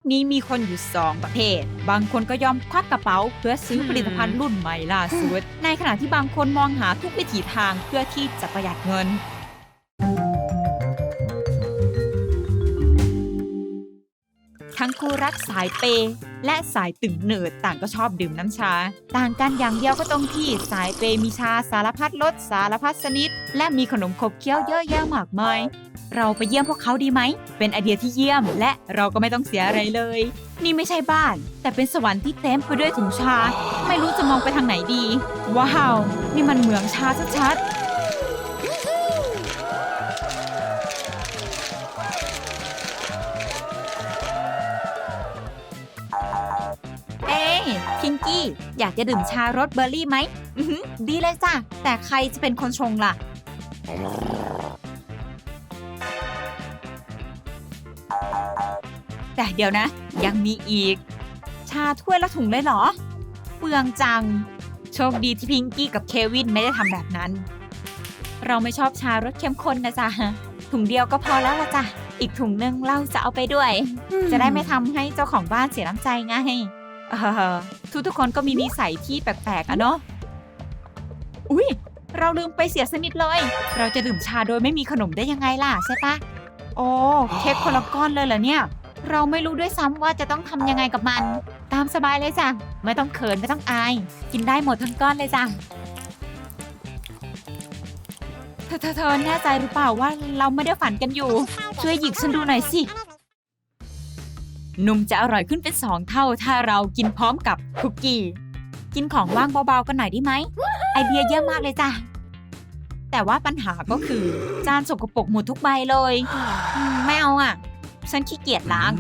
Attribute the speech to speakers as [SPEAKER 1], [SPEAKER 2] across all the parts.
[SPEAKER 1] นี้มีคนอยู่2 ประเภทบางคนก็ยอมควักกระเป๋าเพื่อซื้อผลิตภัณฑ์รุ่นใหม่ล่าสุดในขณะที่บางคนมองหาทุกวิถีทางเพื่อที่จะประหยัดเงินทั้งคู่รักสายเปย์และสายตึงเนิร์ดต่างก็ชอบดื่มน้ำชาต่างกันอย่างเดียวก็ตรงที่สายเปย์มีชาสารพัดรสสารพัดชนิดและมีขนมขบเคี้ยวเยอะแยะมากมายเราไปเยี่ยมพวกเขาดีไหมเป็นไอเดียที่เยี่ยมและเราก็ไม่ต้องเสียอะไรเลยนี่ไม่ใช่บ้านแต่เป็นสวรรค์ที่เต็มไปด้วยถุงชาไม่รู้จะมองไปทางไหนดีว้าวนี่มันเหมืองชาชัดๆพิงกี้อยากจะดื่มชารสเบอร์รี่ไหมดีเลยจ้ะแต่ใครจะเป็นคนชงล่ะแต่เดี๋ยวนะยังมีอีกชาถ้วยละถุงเลยเหรอเปลืองจังโชคดีที่พิงกี้กับเควินไม่ได้ทำแบบนั้นเราไม่ชอบชารสเข้มข้นนะจ๊ะถุงเดียวก็พอแล้วละจ้ะอีกถุงนึงเราจะเอาไปด้วยจะได้ไม่ทำให้เจ้าของบ้านเสียน้ำใจไงทุกคนก็มีนิสัยที่แปลกๆอะเนาะอุ๊ยเราลืมไปเสียสนิทเลยเราจะดื่มชาโดยไม่มีขนมได้ยังไงล่ะใช่ปะโอ้เค้กคนละก้อนเลยเหรอเนี่ยเราไม่รู้ด้วยซ้ำว่าจะต้องทำยังไงกับมันตามสบายเลยจ้ะไม่ต้องเขินไม่ต้องอายกินได้หมดทั้งก้อนเลยจ้ะเธอแน่ใจหรือเปล่าว่าเราไม่ได้ฝันกันอยู่ช่วยหยิกฉันดูหน่อยสินมจะอร่อยขึ้นเป็น2 เท่าถ้าเรากินพร้อมกับคุกกี้กินของว่างเบาๆกันหน่อยได้ไหมไอเดียเยอะมากเลยจ้ะแต่ว่าปัญหาก็คือจานสกปรกหมดทุกใบเลยไม่เอาอ่ะฉันขี้เกียจล้าง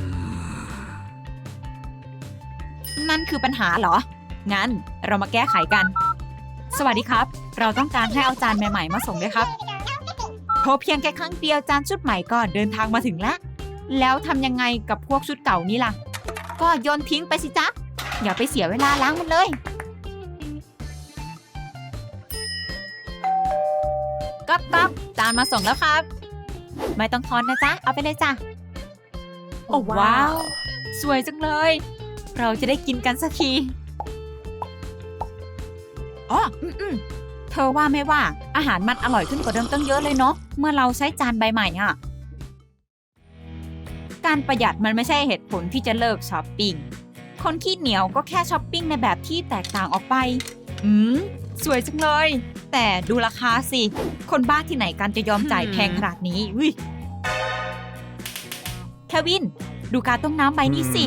[SPEAKER 1] นั่นคือปัญหาเหรองั้นเรามาแก้ไขกันสวัสดีครับเราต้องการให้เอาจานใหม่ๆมาส่งด้วยครับโทรเพียงแค่ครั้งเดียวจานชุดใหม่ก็เดินทางมาถึงแล้วทำยังไงกับพวกชุดเก่านี้ล่ะก็โยนทิ้งไปสิจ๊ะอย่าไปเสียเวลาล้างมันเลยก๊อบจานมาส่งแล้วครับไม่ต้องทอนนะจ๊ะเอาไปเลยจ้ะโอ้ว้าวสวยจังเลยเราจะได้กินกันสักทีอ๋อเธอว่าไม่ว่าอาหารมันอร่อยขึ้นกว่าเดิมตั้งเยอะเลยเนาะเมื่อเราใช้จานใบใหม่อ่ะการประหยัดมันไม่ใช่เหตุผลที่จะเลิกช้อปปิ้งคนขี้เหนียวก็แค่ช้อปปิ้งในแบบที่แตกต่างออกไปสวยจังเลยแต่ดูราคาสิคนบ้าที่ไหนกันจะยอมจ่ายแพงขนาดนี้เควินดูการต้มน้ำใบนี้สิ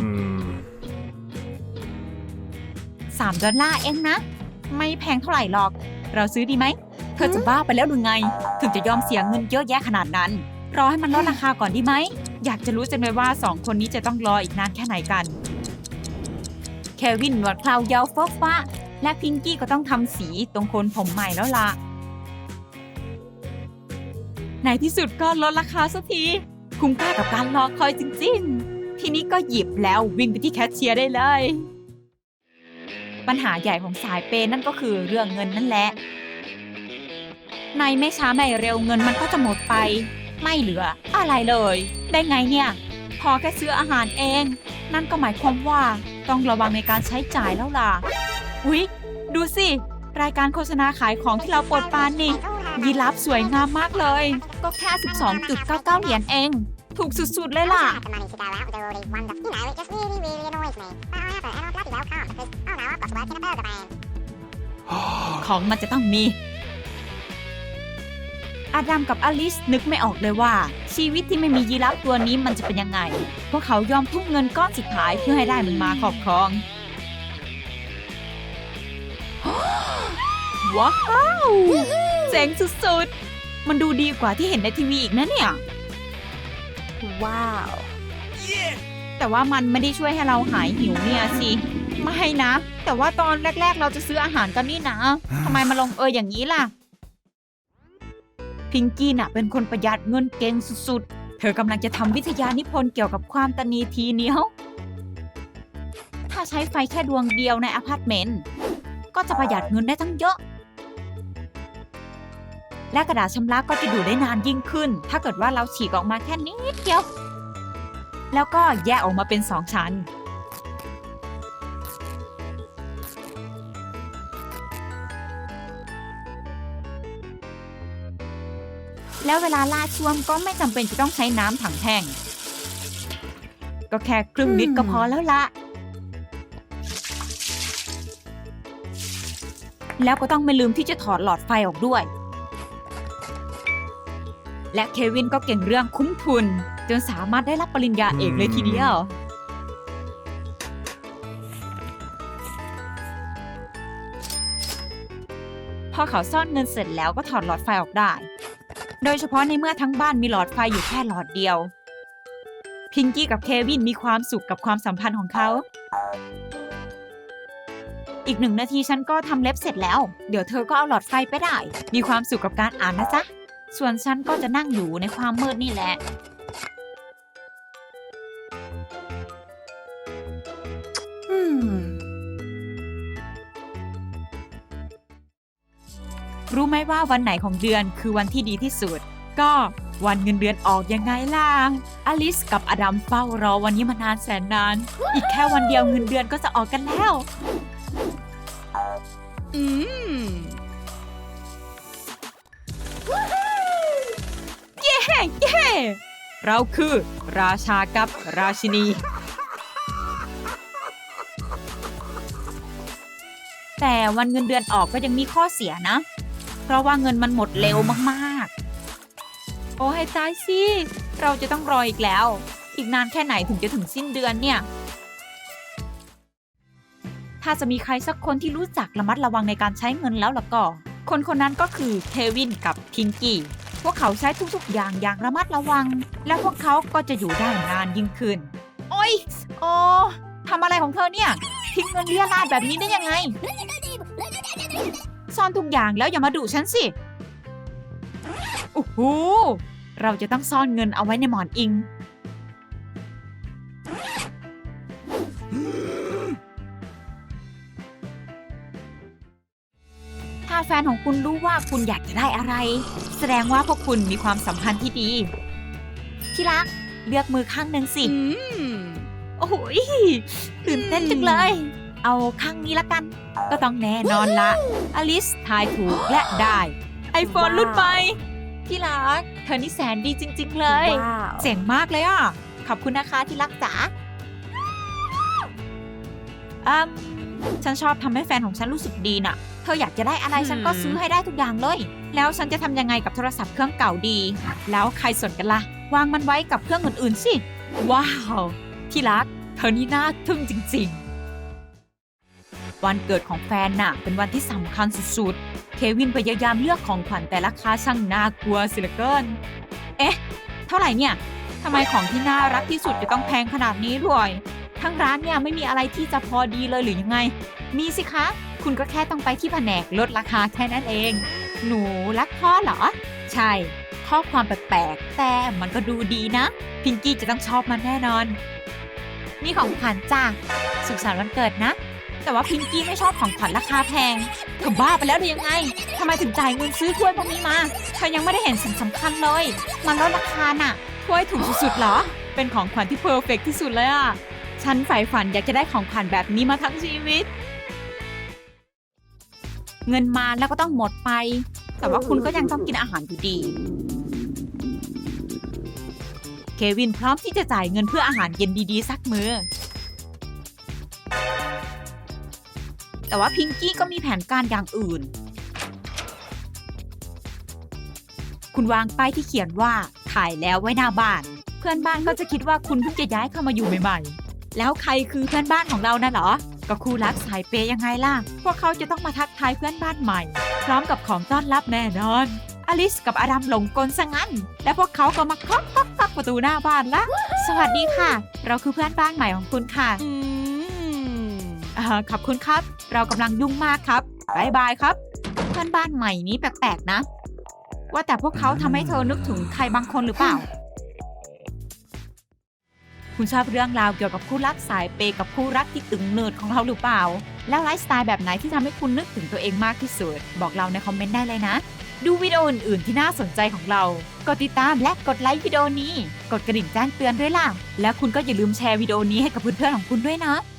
[SPEAKER 1] $3เองนะไม่แพงเท่าไหร่หรอกเราซื้อดีไหมเธอจะบ้าไปแล้วหรือไงถึงจะยอมเสียเงินเยอะแยะขนาดนั้นรอให้มันลดราคาก่อนดีไหมอยากจะรู้จังเลยว่า2 คนนี้จะต้องรออีกนานแค่ไหนกันเควินหนวดเครายาวฟกฟ้าและพิงกี้ก็ต้องทำสีตรงโคนผมใหม่แล้วล่ะในที่สุดก็ลดราคาสักทีคุ้มค่ากับการรอคอยจริงๆทีนี้ก็หยิบแล้ววิ่งไปที่แคชเชียร์ได้เลยปัญหาใหญ่ของสายเปย์นั่นก็คือเรื่องเงินนั่นแหละในไม่ช้าไม่เร็วเงินมันก็จะหมดไปไม่เหลืออะไรเลยได้ไงเนี่ยพอแค่ซื้ออาหารเองนั่นก็หมายความว่าต้องระวังในการใช้จ่ายแล้วล่ะอุ๊ยดูสิรายการโฆษณาขายของที่เราโปรดปรานนี่ยีราฟสวยงามมากเลยก็แค่ 12.99 เหรียญเองถูกสุดๆเลยล่ะของมันจะต้องมีอาดัมกับอลิซนึกไม่ออกเลยว่าชีวิตที่ไม่มียีราฟตัวนี้มันจะเป็นยังไงพวกเขายอมทุ่มเงินก้อนสุดท้ายเพื่อให้ได้มันมาครอบครองว้าวเจ๋งสุดๆมันดูดีกว่าที่เห็นในทีวีอีกนะเนี่ยว้าวแต่ว่ามันไม่ได้ช่วยให้เราหายหิวเนี่ยสิไม่นะแต่ว่าตอนแรกๆเราจะซื้ออาหารกันนี่นะทำไมมาลงอย่างนี้ล่ะพิงกี้น่ะเป็นคนประหยัดเงินเก่งสุดๆเธอกำลังจะทำวิทยานิพนธ์เกี่ยวกับความตนีทีเหนียวถ้าใช้ไฟแค่ดวงเดียวในอพาร์ตเมนต์ก็จะประหยัดเงินได้ตั้งเยอะและกระดาษชำระก็จะอยู่ได้นานยิ่งขึ้นถ้าเกิดว่าเราฉีกออกมาแค่นิดเดียวแล้วก็แยกออกมาเป็น2 ชั้นแล้วเวลาลาดช่วมก็ไม่จำเป็นจะต้องใช้น้ำถังแท่งก็แค่ครึ่งลิตรก็พอแล้วละแล้วก็ต้องไม่ลืมที่จะถอดหลอดไฟออกด้วยและเควินก็เก่งเรื่องคุ้มทุนจนสามารถได้รับปริญญาเอกเลยทีเดียวพอเขาซ่อนเงินเสร็จแล้วก็ถอดหลอดไฟออกได้โดยเฉพาะในเมื่อทั้งบ้านมีหลอดไฟอยู่แค่หลอดเดียวพิงกี้กับเควินมีความสุขกับความสัมพันธ์ของเขาอีก1 นาทีฉันก็ทำเล็บเสร็จแล้วเดี๋ยวเธอก็เอาหลอดไฟไปได้มีความสุขกับการอ่านนะจ๊ะส่วนฉันก็จะนั่งอยู่ในความมืดนี่แหละรู้ไหมว่าวันไหนของเดือนคือวันที่ดีที่สุดก็วันเงินเดือนออกยังไงล่ะอลิสกับอดัมเฝ้ารอวันนี้มานานแสนนานอีกแค่วันเดียวเงินเดือนก็จะออกกันแล้วเย้เย้เราคือราชากับราชินีแต่วันเงินเดือนออกก็ยังมีข้อเสียนะเพราะว่าเงินมันหมดเร็วมากๆโอ้ให้ตายสิเราจะต้องรออีกแล้วอีกนานแค่ไหนถึงจะถึงสิ้นเดือนเนี่ยถ้าจะมีใครสักคนที่รู้จักระมัดระวังในการใช้เงินแล้วล่ะก็คนนั้นก็คือเควินกับพิงกี้พวกเขาใช้ทุกๆอย่างระมัดระวังและพวกเขาก็จะอยู่ได้นานยิ่งขึ้นโอ๊ยโอ้ทำอะไรของเธอเนี่ยทิ้งเงินเรี่ยราดแบบนี้ได้ยังไงซ่อนทุกอย่างแล้วอย่ามาดุฉันสิโอ้โหเราจะต้องซ่อนเงินเอาไว้ในหมอนอิงถ้าแฟนของคุณรู้ว่าคุณอยากจะได้อะไรแสดงว่าพวกคุณมีความสัมพันธ์ที่ดีที่รักเลือกมือข้างหนึ่งสิโอ้โหตื่นเต้นจังเลยเอาข้างนี้ละกันก็ต้องแน่นอนละอลิสทายถูกและได้iPhone รุ่นใหม่ที่รักเธอนี่แสนดีจริงๆเลยเจ๋งมากเลยอ่ะขอบคุณนะคะที่รักจ๋าฉันชอบทำให้แฟนของฉันรู้สึกดีน่ะเธออยากจะได้อะไรฉันก็ซื้อให้ได้ทุกอย่างเลยแล้วฉันจะทำยังไงกับโทรศัพท์เครื่องเก่าดีแล้วใครสนกันล่ะวางมันไว้กับเครื่องอื่นๆสิว้าวที่รักเธอนี่น่าทึ่งจริงๆวันเกิดของแฟนน่ะเป็นวันที่สำคัญสุดๆเควินพยายามเลือกของขวัญแต่ราคาช่างน่ากลัวสิเหลือเกินเอ๊ะเท่าไหร่เนี่ยทำไมของที่น่ารักที่สุดจะต้องแพงขนาดนี้ด้วยทั้งร้านเนี่ยไม่มีอะไรที่จะพอดีเลยหรือยังไงมีสิคะคุณก็แค่ต้องไปที่แผนกลดราคาแค่นั้นเองหนูรักพ่อเหรอใช่ข้อความแปลกๆแต่มันก็ดูดีนะพิงกี้จะต้องชอบมันแน่นอนนี่ของขวัญจ้าสุขสันต์วันเกิดนะแต่ว่าพิงกี้ไม่ชอบของขวัญราคาแพงเธอบ้าไปแล้วหรือยังไงทำไมถึงจ่ายเงินซื้อถ้วยพวกนี้มาเธอยังไม่ได้เห็นสิ่งสำคัญเลยมันลดราคาน่ะถ้วยถูกสุดๆเหรอเป็นของขวัญที่เพอร์เฟกต์ที่สุดเลยอ่ะฉันใฝ่ฝันอยากจะได้ของขวัญแบบนี้มาทั้งชีวิตเงินมาแล้วก็ต้องหมดไปแต่ว่าคุณก็ยังต้องกินอาหารอยู่ดีเควินพร้อมที่จะจ่ายเงินเพื่ออาหารเย็นดีๆสักมื้อแต่ว่าพิงกี้ก็มีแผนการอย่างอื่นคุณวางป้ายที่เขียนว่าถ่ายแล้วไว้หน้าบ้านเพื่อนบ้านก็จะคิดว่าคุณเพิ่งจะย้ายเข้ามาอยู่ใหม่ๆแล้วใครคือเพื่อนบ้านของเรานะเหรอก็คู่รักสายเปย์ยังไงล่ะพวกเขาจะต้องมาทักทายเพื่อนบ้านใหม่พร้อมกับของต้อนรับแน่นอนอลิสกับอดัมหลงกลซะงั้นและพวกเขาก็มาเคาะประตูหน้าบ้านละสวัสดีค่ะเราคือเพื่อนบ้านใหม่ของคุณค่ะขอบคุณครับเรากำลังยุ่งมากครับบ๊ายบายครับเพื่อนบ้านใหม่นี้แปลกๆนะว่าแต่พวกเขาทำให้เธอนึกถึงใครบางคนหรือเปล่าคุณชอบเรื่องราวเกี่ยวกับคู่รักสายเปย์กับคู่รักที่ตึงเนิร์ดของเราหรือเปล่าแล้วไลฟ์สไตล์แบบไหนที่ทำให้คุณนึกถึงตัวเองมากที่สุดบอกเราในคอมเมนต์ได้เลยนะดูวิดีโออื่นๆที่น่าสนใจของเรา กดติดตามและกดไลค์วิดีโอนี้ กดกระดิ่งแจ้งเตือนด้วยล่ะ และคุณก็อย่าลืมแชร์วิดีโอนี้ให้กับเพื่อนๆของคุณด้วยนะ